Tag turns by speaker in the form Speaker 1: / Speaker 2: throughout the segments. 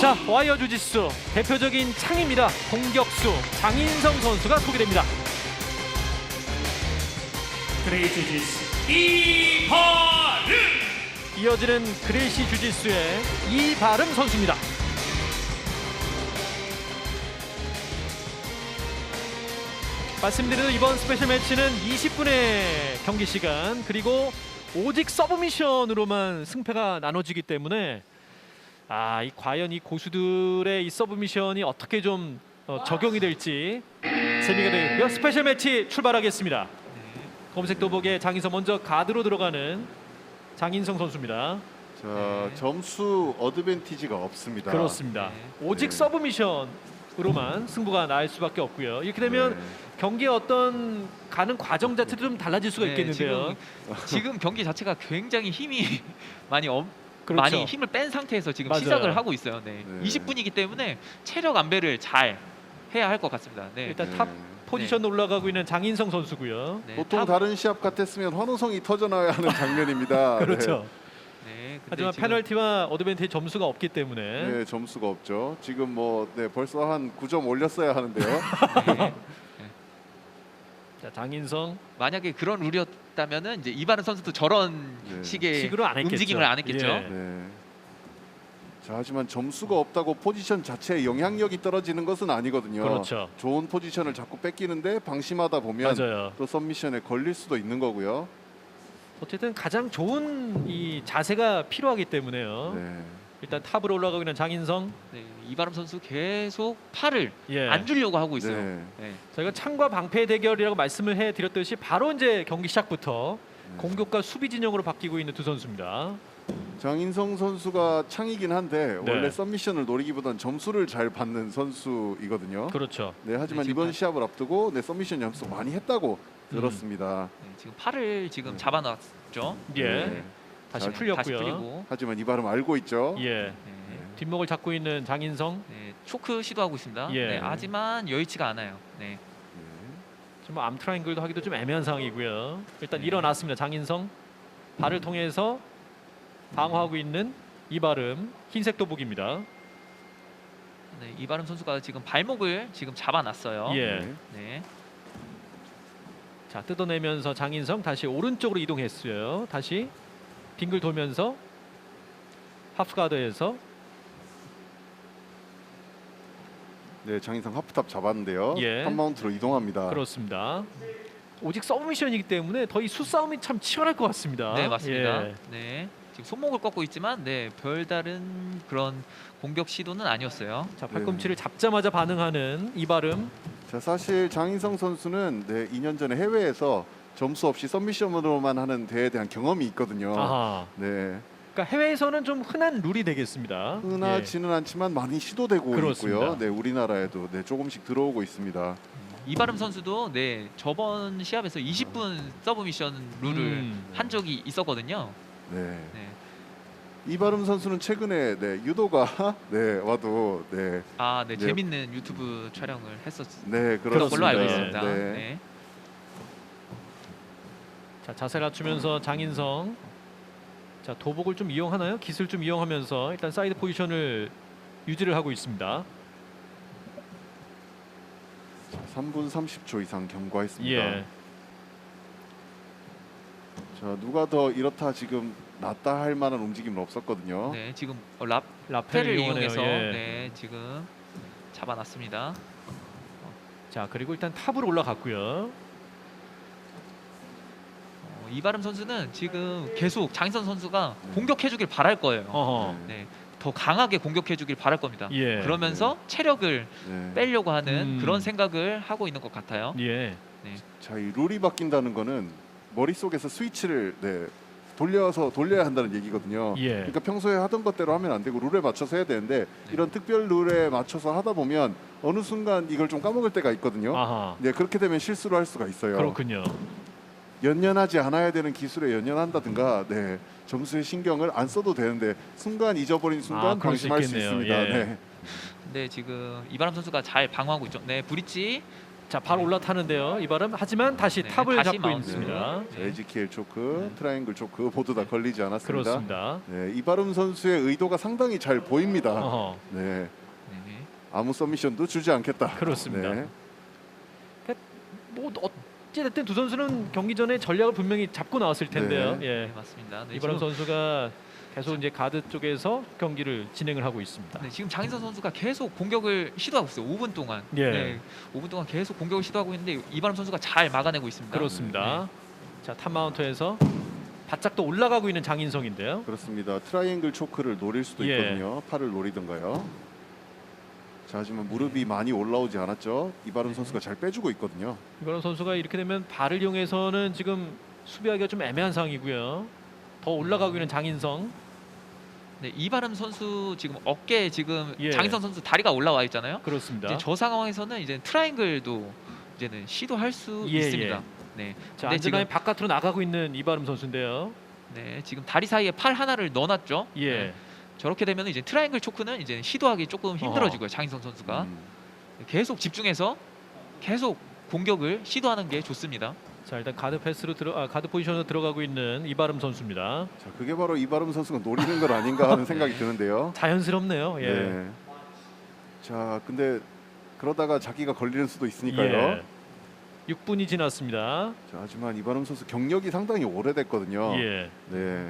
Speaker 1: 자, 와이어 주짓수 대표적인 창입니다. 공격수 장인성 선수가 소개됩니다.
Speaker 2: 그레이 주짓수 이바름.
Speaker 1: 이어지는 그레이시 주짓수의 이바름 선수입니다. 말씀드린 이번 스페셜 매치는 20분의 경기 시간 그리고 오직 서브미션으로만 승패가 나눠지기 때문에 과연 이 고수들의 이 서브미션이 어떻게 좀 적용이 될지 재미가 되고요. 스페셜 매치 출발하겠습니다. 검색 도복에 장인성 먼저 가드로 들어가는 장인성 선수입니다.
Speaker 3: 자, 점수 어드밴티지가 없습니다.
Speaker 1: 그렇습니다. 오직 서브미션으로만 승부가 날 수밖에 없고요. 이렇게 되면 경기의 어떤 가는 과정 자체도 좀 달라질 수가 있겠는데요.
Speaker 4: 지금 경기 자체가 굉장히 힘이 많이
Speaker 1: 그렇죠.
Speaker 4: 많이 힘을 뺀 상태에서 지금
Speaker 1: 맞아요.
Speaker 4: 시작을 하고 있어요. 네. 20분이기 때문에 체력 안배를 잘 해야 할 것 같습니다. 네.
Speaker 1: 일단 탑 포지션으로 올라가고 있는 장인성 선수고요.
Speaker 4: 네,
Speaker 3: 보통 다른 시합 같았으면 환호성이 터져나와야 하는 장면입니다.
Speaker 1: 그렇죠.
Speaker 4: 네, 근데
Speaker 1: 하지만
Speaker 4: 지금
Speaker 1: 페널티와 어드밴티지 점수가 없기 때문에
Speaker 3: 네, 점수가 없죠. 지금 벌써 한 9점 올렸어야 하는데요.
Speaker 4: 네.
Speaker 1: 자, 장인성
Speaker 4: 만약에 그런 룰이었다면은 이제 이바른 선수도 저런 식의
Speaker 1: 식으로 안 했겠죠.
Speaker 4: 움직임을 안 했겠죠.
Speaker 1: 예.
Speaker 3: 네. 자, 하지만 점수가 없다고 포지션 자체에 영향력이 떨어지는 것은 아니거든요.
Speaker 1: 그렇죠.
Speaker 3: 좋은 포지션을 자꾸 뺏기는데 방심하다 보면
Speaker 1: 맞아요.
Speaker 3: 또 सब미션에 걸릴 수도 있는 거고요.
Speaker 1: 어쨌든 가장 좋은 이 자세가 필요하기 때문에요.
Speaker 3: 네.
Speaker 1: 일단 탑으로 올라가고 있는 장인성.
Speaker 4: 네, 이바름 선수 계속 팔을
Speaker 1: 예.
Speaker 4: 안 주려고 하고 있어요.
Speaker 3: 네.
Speaker 4: 네.
Speaker 1: 저희가 창과 방패 대결이라고 말씀을 해드렸듯이 바로 이제 경기 시작부터 공격과 수비 진영으로 바뀌고 있는 두 선수입니다.
Speaker 3: 장인성 선수가 창이긴 한데
Speaker 1: 네.
Speaker 3: 원래 सब미션을 노리기보단 점수를 잘 받는 선수이거든요.
Speaker 1: 그렇죠.
Speaker 3: 네, 하지만
Speaker 4: 네, 지금
Speaker 3: 이번 시합을 앞두고 서미션 연습 많이 했다고 들었습니다.
Speaker 4: 네, 지금 팔을 지금 잡아놨죠.
Speaker 1: 예.
Speaker 3: 네.
Speaker 1: 다시
Speaker 3: 자,
Speaker 1: 풀렸고요.
Speaker 4: 다시 풀리고.
Speaker 3: 하지만 이 발음 알고 있죠.
Speaker 1: 예.
Speaker 4: 네.
Speaker 1: 뒷목을 잡고 있는 장인성.
Speaker 4: 네, 초크 시도하고 있습니다.
Speaker 1: 예.
Speaker 4: 네, 하지만 여의치가 않아요. 네.
Speaker 1: 지금 암 트라이앵글도 하기도 좀 애매한 상황이고요. 일단
Speaker 4: 네.
Speaker 1: 일어났습니다. 장인성. 발을 통해서 방어하고 있는 이바름 흰색 도복입니다.
Speaker 4: 네, 이바름 선수가 지금 발목을 지금 잡아놨어요.
Speaker 1: 예.
Speaker 3: 네.
Speaker 4: 네.
Speaker 1: 자, 뜯어내면서 장인성 다시 오른쪽으로 이동했어요. 다시 빙글 돌면서 하프가드에서
Speaker 3: 네, 장인성 하프탑 잡았는데요.
Speaker 1: 예.
Speaker 3: 한 마운트로 이동합니다.
Speaker 1: 그렇습니다. 오직 서브미션이기 때문에 더 이 수싸움이 참 치열할 것 같습니다.
Speaker 4: 네, 맞습니다.
Speaker 1: 예.
Speaker 4: 네. 지금 손목을 꺾고 있지만 네, 별다른 그런 공격 시도는 아니었어요.
Speaker 1: 자, 팔꿈치를 잡자마자 반응하는 이바름.
Speaker 3: 자, 사실 장인성 선수는 2년 전에 해외에서 점수 없이 서미션으로만 하는 대회에 대한 경험이 있거든요.
Speaker 1: 아하.
Speaker 3: 네,
Speaker 1: 그러니까 해외에서는 좀 흔한 룰이 되겠습니다.
Speaker 3: 흔하지는 않지만 많이 시도되고
Speaker 1: 그렇습니다.
Speaker 3: 있고요. 네, 우리나라에도 조금씩 들어오고 있습니다.
Speaker 4: 이바름 선수도 네, 저번 시합에서 20분 서브미션 룰을 한 적이 있었거든요.
Speaker 3: 네.
Speaker 4: 네.
Speaker 3: 이바름 선수는 최근에 유도가 와도
Speaker 4: 네,
Speaker 3: 네.
Speaker 4: 재밌는 유튜브 촬영을 했었던
Speaker 3: 네,
Speaker 4: 걸로
Speaker 3: 그렇습니다.
Speaker 4: 알고 있습니다.
Speaker 3: 네.
Speaker 4: 네.
Speaker 1: 자, 자세 갖추면서 장인성. 자, 도복을 좀 이용하나요? 기술 좀 이용하면서 일단 사이드 포지션을 유지를 하고 있습니다.
Speaker 3: 3분 30초 이상 경과했습니다.
Speaker 1: 예.
Speaker 3: 자, 누가 더 이렇다 지금 낫다 할 만한 움직임은 없었거든요.
Speaker 4: 네, 지금
Speaker 1: 라펠을
Speaker 4: 라펠을
Speaker 1: 이용하네요.
Speaker 4: 이용해서
Speaker 1: 예.
Speaker 4: 네, 지금 잡아놨습니다.
Speaker 1: 자, 그리고 일단 탑으로 올라갔고요.
Speaker 4: 이바름 선수는 지금 계속 장인선 선수가 공격해주길 바랄 거예요.
Speaker 1: 어허.
Speaker 4: 네, 더 강하게 공격해주길 바랄 겁니다.
Speaker 1: 예.
Speaker 4: 그러면서 체력을
Speaker 3: 네.
Speaker 4: 빼려고 하는
Speaker 1: 음.
Speaker 4: 그런 생각을 하고 있는 것 같아요.
Speaker 1: 예.
Speaker 3: 자, 이 룰이 바뀐다는 거는 머릿속에서 스위치를 돌려야 한다는 얘기거든요.
Speaker 1: 예.
Speaker 3: 그러니까 평소에 하던 것대로 하면 안 되고 룰에 맞춰서 해야 되는데 이런 특별 룰에 맞춰서 하다 보면 어느 순간 이걸 좀 까먹을 때가 있거든요.
Speaker 1: 아하.
Speaker 3: 네, 그렇게 되면 실수를 할 수가 있어요.
Speaker 1: 그렇군요.
Speaker 3: 연연하지 않아야 되는 기술에 연연한다든가 점수에 신경을 안 써도 되는데 순간 잊어버린 순간
Speaker 1: 그럴 수
Speaker 3: 방심할 수
Speaker 1: 있겠네요.
Speaker 3: 있습니다.
Speaker 1: 예.
Speaker 3: 네.
Speaker 4: 네, 지금 이바람 선수가 잘 방어하고 있죠. 네, 브릿지
Speaker 1: 자, 바로 올라타는데요. 이바름. 하지만 다시
Speaker 4: 네,
Speaker 1: 탑을
Speaker 4: 다시
Speaker 1: 잡고
Speaker 4: 마운트.
Speaker 1: 있습니다.
Speaker 3: 자, 에지키엘 초크, 트라이앵글 초크 모두 다 걸리지 않았습니다.
Speaker 1: 그렇습니다.
Speaker 3: 네, 이바름 선수의 의도가 상당히 잘 보입니다.
Speaker 1: 어허.
Speaker 3: 네,
Speaker 4: 네.
Speaker 3: 아무 서미션도 주지 않겠다.
Speaker 1: 그렇습니다.
Speaker 3: 네.
Speaker 1: 뭐 어찌됐든 두 선수는 경기 전에 전략을 분명히 잡고 나왔을 텐데요.
Speaker 3: 네.
Speaker 1: 예.
Speaker 4: 네, 맞습니다. 네,
Speaker 1: 이바람
Speaker 4: 지금,
Speaker 1: 선수가 계속 이제 가드 쪽에서 경기를 진행을 하고 있습니다.
Speaker 4: 네, 지금 장인선 선수가 계속 공격을 시도하고 있어요. 5분 동안.
Speaker 1: 예.
Speaker 4: 네, 5분 동안 계속 공격을 시도하고 있는데 이바람 선수가 잘 막아내고 있습니다.
Speaker 1: 그렇습니다. 자, 탑 마운트에서 바짝 또 올라가고 있는 장인성인데요.
Speaker 3: 그렇습니다. 트라이앵글 초크를 노릴 수도
Speaker 1: 예.
Speaker 3: 있거든요. 팔을 노리던가요. 자, 하지만 무릎이 많이 올라오지 않았죠. 이바름 선수가 잘 빼주고 있거든요.
Speaker 1: 이바람 선수가 이렇게 되면 발을 이용해서는 지금 수비하기가 좀 애매한 상황이고요. 더 올라가고 있는 장인성.
Speaker 4: 네, 이바람 선수 지금 어깨에 지금
Speaker 1: 예.
Speaker 4: 장인선 선수 다리가 올라와 있잖아요.
Speaker 1: 그렇습니다.
Speaker 4: 이제 저 상황에서는 이제 트라이앵글도 이제는 시도할 수
Speaker 1: 예,
Speaker 4: 있습니다.
Speaker 1: 예.
Speaker 4: 네.
Speaker 1: 자,
Speaker 4: 근데
Speaker 1: 안전하게
Speaker 4: 지금
Speaker 1: 바깥으로 나가고 있는 이바름 선수인데요.
Speaker 4: 네, 지금 다리 사이에 팔 하나를 넣어놨죠.
Speaker 1: 예.
Speaker 4: 네. 저렇게 되면 이제 트라이앵글 초크는 이제 시도하기 조금 힘들어지고요. 장인선 선수가
Speaker 3: 음.
Speaker 4: 계속 집중해서 계속 공격을 시도하는 게 좋습니다.
Speaker 1: 자, 일단 가드 패스로 가드 포지션으로 들어가고 있는 이바름 선수입니다.
Speaker 3: 자, 그게 바로 이바름 선수가 노리는 것 아닌가 하는 생각이 드는데요.
Speaker 1: 자연스럽네요. 예.
Speaker 3: 네. 자, 근데 그러다가 자기가 걸리는 수도 있으니까요.
Speaker 1: 예. 6분이 지났습니다.
Speaker 3: 자, 하지만 이바름 선수 경력이 상당히 오래됐거든요.
Speaker 1: 예.
Speaker 3: 네.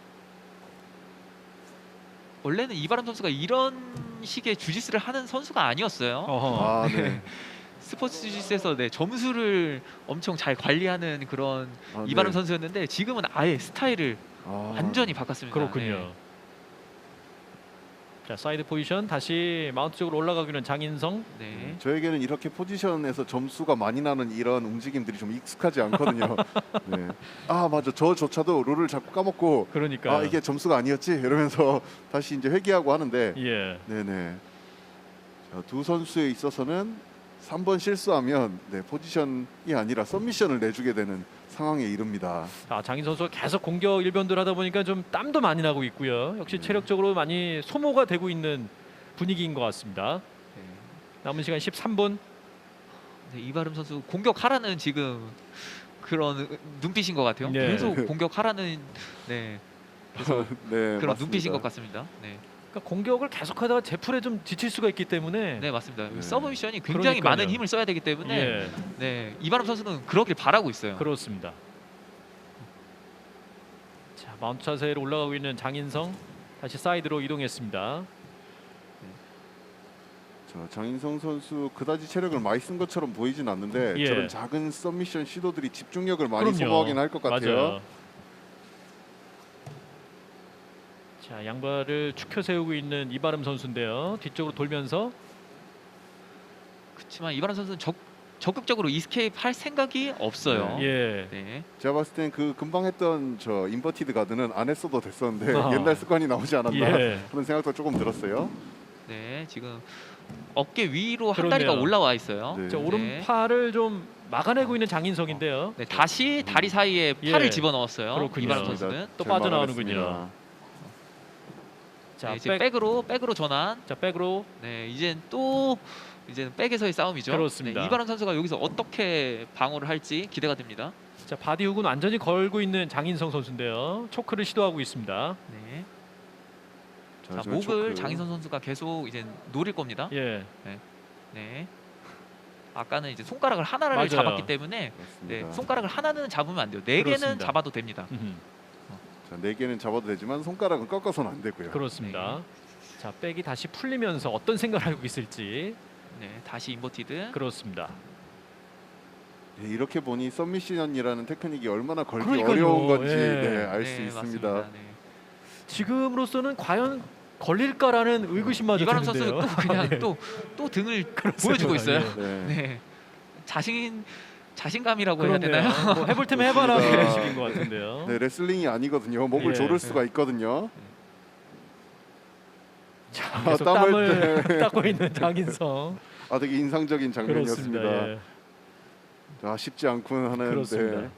Speaker 4: 원래는 이바람 선수가 이런 식의 주짓수를 하는 선수가 아니었어요.
Speaker 1: 어허.
Speaker 3: 아, 네.
Speaker 4: 스포츠 주짓수에서 네, 점수를 엄청 잘 관리하는 그런
Speaker 3: 아,
Speaker 4: 이바람
Speaker 3: 네.
Speaker 4: 선수였는데 지금은 아예 스타일을
Speaker 3: 아,
Speaker 4: 완전히 바꿨습니다.
Speaker 1: 그렇군요.
Speaker 4: 네.
Speaker 1: 자, 사이드 포지션 다시 마운트 쪽으로 올라가기는 장인성.
Speaker 4: 네.
Speaker 3: 저에게는 이렇게 포지션에서 점수가 많이 나는 이런 움직임들이 좀 익숙하지 않거든요. 네. 아, 맞아. 저조차도 룰을 자꾸 까먹고
Speaker 1: 그러니까.
Speaker 3: 아, 이게 점수가 아니었지 이러면서 다시 이제 회귀하고 하는데
Speaker 1: 예.
Speaker 3: 네네. 자, 두 선수에 있어서는 3번 실수하면 네, 포지션이 아니라 서미션을 내주게 되는 상황에 이릅니다.
Speaker 1: 자, 장인 선수가 계속 공격 일변도를 하다 보니까 좀 땀도 많이 나고 있고요. 역시 체력적으로 많이 소모가 되고 있는 분위기인 것 같습니다.
Speaker 4: 네.
Speaker 1: 남은 시간 13분.
Speaker 4: 네, 이바람 선수 공격하라는 지금 그런 눈빛인 것 같아요.
Speaker 1: 네.
Speaker 4: 계속 공격하라는 네, 그래서
Speaker 3: 네,
Speaker 4: 그런
Speaker 3: 맞습니다.
Speaker 4: 눈빛인 것 같습니다. 네,
Speaker 1: 그러니까 공격을 계속하다가 제풀에 좀 지칠 수가 있기 때문에.
Speaker 4: 네 맞습니다.
Speaker 3: 네.
Speaker 4: 서브 미션이 굉장히
Speaker 1: 그러니까요.
Speaker 4: 많은 힘을 써야 되기 때문에
Speaker 1: 예.
Speaker 4: 네, 이바람 선수는 그러길 바라고 있어요.
Speaker 1: 그렇습니다. 자, 마운트 자세로 올라가고 있는 장인성 다시 사이드로 이동했습니다.
Speaker 3: 자, 장인성 선수 그다지 체력을 많이 쓴 것처럼 보이진 않는데
Speaker 1: 예.
Speaker 3: 저런 작은 서미션 시도들이 집중력을 많이
Speaker 1: 그럼요.
Speaker 3: 소모하긴 할 것 같아요.
Speaker 1: 맞아요. 자, 양발을 축혀 세우고 있는 이바름 선수인데요. 뒤쪽으로 돌면서
Speaker 4: 그렇지만 이바람 선수는 적극적으로 이스케이프 할 생각이 없어요.
Speaker 1: 예.
Speaker 4: 네.
Speaker 3: 제가 봤을 땐 그 금방 했던 저 인버티드 가드는 안 했어도 됐었는데
Speaker 1: 아하.
Speaker 3: 옛날 습관이 나오지 않았나
Speaker 1: 예.
Speaker 3: 그런 생각도 조금 들었어요.
Speaker 4: 네, 지금 어깨 위로 한
Speaker 1: 그러네요.
Speaker 4: 다리가 올라와 있어요.
Speaker 3: 네.
Speaker 1: 자, 오른팔을 좀 막아내고 있는 장인성인데요.
Speaker 4: 네, 다시 다리 사이에 팔을
Speaker 1: 예.
Speaker 4: 집어넣었어요.
Speaker 1: 그렇군요.
Speaker 4: 이바람 선수는.
Speaker 1: 또
Speaker 3: 잘
Speaker 1: 빠져나오는군요.
Speaker 3: 막아냈습니다.
Speaker 1: 자,
Speaker 4: 네, 이제 백으로 전환.
Speaker 1: 자, 백으로.
Speaker 4: 네, 이제는 백에서의 싸움이죠.
Speaker 1: 그렇습니다.
Speaker 4: 네, 이바람 선수가 여기서 어떻게 방어를 할지 기대가 됩니다.
Speaker 1: 자, 바디 훅은 완전히 걸고 있는 장인성 선수인데요. 초크를 시도하고 있습니다.
Speaker 4: 네.
Speaker 3: 자,
Speaker 4: 자,
Speaker 3: 저
Speaker 4: 목을
Speaker 3: 초크.
Speaker 4: 장인선 선수가 계속 이제 노릴 겁니다.
Speaker 1: 예.
Speaker 4: 네. 아까는 이제 손가락을 하나를
Speaker 1: 맞아요.
Speaker 4: 잡았기 때문에
Speaker 3: 그렇습니다.
Speaker 4: 네, 손가락을 하나는 잡으면 안 돼요. 네 개는
Speaker 1: 그렇습니다.
Speaker 4: 잡아도 됩니다.
Speaker 3: 자, 4개는 잡아도 되지만 손가락은 꺾어서는 안 되고요.
Speaker 1: 그렇습니다. 자, 백이 다시 풀리면서 어떤 생각을 하고 있을지.
Speaker 4: 네, 다시 인버티드.
Speaker 1: 그렇습니다.
Speaker 3: 네, 이렇게 보니 서미션이라는 테크닉이 얼마나 걸기
Speaker 1: 그러니까요.
Speaker 3: 어려운 건지
Speaker 1: 예.
Speaker 3: 네, 알 수
Speaker 4: 네,
Speaker 3: 있습니다.
Speaker 4: 맞습니다. 네.
Speaker 1: 지금으로서는 과연 걸릴까라는 의구심마저
Speaker 4: 이바람
Speaker 1: 드는데요.
Speaker 4: 선수는 또 그냥
Speaker 1: 예.
Speaker 4: 또 등을 보여주고 있어요.
Speaker 1: 예.
Speaker 3: 네.
Speaker 4: 네, 자신감이라고 해야
Speaker 1: 그렇네요.
Speaker 4: 되나요?
Speaker 1: 뭐 해볼 테면 해봐라
Speaker 3: 그렇습니다.
Speaker 1: 그런 식인 것 같은데요.
Speaker 3: 네, 레슬링이 아니거든요. 목을
Speaker 1: 예.
Speaker 3: 조를 수가 있거든요.
Speaker 1: 자, 계속
Speaker 3: 땀을
Speaker 1: 땀을 닦고 있는 장인성.
Speaker 3: 아, 되게 인상적인 장면이었습니다.
Speaker 1: 그렇습니다. 예.
Speaker 3: 자, 쉽지 않군 하는.
Speaker 1: 그렇습니다.
Speaker 3: 네.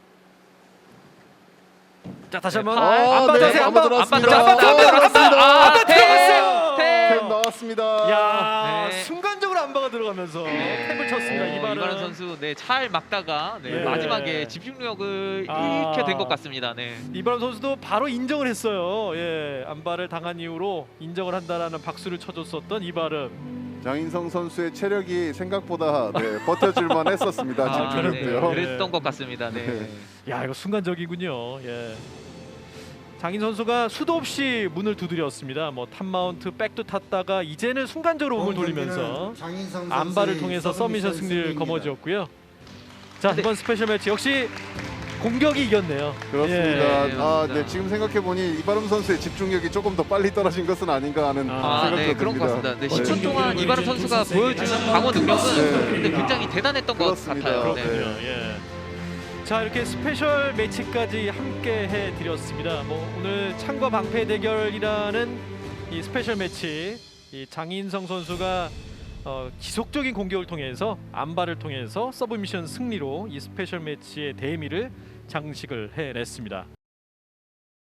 Speaker 1: 자, 다시
Speaker 4: 네,
Speaker 1: 한번
Speaker 4: 팔.
Speaker 1: 안
Speaker 3: 네,
Speaker 1: 받으세요.
Speaker 3: 한번
Speaker 1: 안
Speaker 3: 들어왔습니다.
Speaker 1: 들어갔습니다.
Speaker 4: 아,
Speaker 1: 안 들어갔어요.
Speaker 4: 탭!
Speaker 3: 탭 나왔습니다.
Speaker 1: 야,
Speaker 4: 네.
Speaker 1: 순간적으로 안바가 들어갔어요. 들어가면서
Speaker 4: 네.
Speaker 1: 탭을 쳤습니다.
Speaker 4: 이바른
Speaker 1: 이바른
Speaker 4: 선수 잘 막다가
Speaker 1: 예.
Speaker 4: 마지막에 집중력을
Speaker 1: 아.
Speaker 4: 잃게 된 것 같습니다. 네.
Speaker 1: 이바람 선수도 바로 인정을 했어요. 예, 안발을 당한 이후로 인정을 한다라는 박수를 쳐줬었던 이바름.
Speaker 3: 장인성 선수의 체력이 생각보다 버텨줄만 했었습니다. 집중력도요.
Speaker 4: 그랬던 것 같습니다. 네.
Speaker 3: 네.
Speaker 1: 야, 이거 순간적이군요. 예. 장인 선수가 수도 없이 문을 두드렸습니다. 뭐 탑마운트 백도 탔다가 이제는 순간적으로 몸을 돌리면서 안발을 통해서 서미션 승리를 거머쥐었고요. 자,
Speaker 4: 근데-
Speaker 1: 이번 스페셜 매치 역시 공격이 이겼네요.
Speaker 3: 그렇습니다.
Speaker 1: 예.
Speaker 3: 네, 지금 생각해 보니 이바름 선수의 집중력이 조금 더 빨리 떨어진 것은 아닌가 하는 생각도
Speaker 4: 네, 그런 것
Speaker 3: 듭니다.
Speaker 4: 같습니다. 네, 10분 동안 이바른 선수가 보여준 방어 능력은 근데 굉장히 대단했던 것
Speaker 3: 그렇습니다.
Speaker 4: 같아요. 네.
Speaker 1: 그렇군요. 예. 자, 이렇게 스페셜 매치까지 함께 해드렸습니다. 뭐 오늘 창과 방패 대결이라는 이 스페셜 매치, 이 장인성 선수가 지속적인 공격을 통해서 안발을 통해서 서브미션 승리로 이 스페셜 매치의 대미를 장식을 해냈습니다.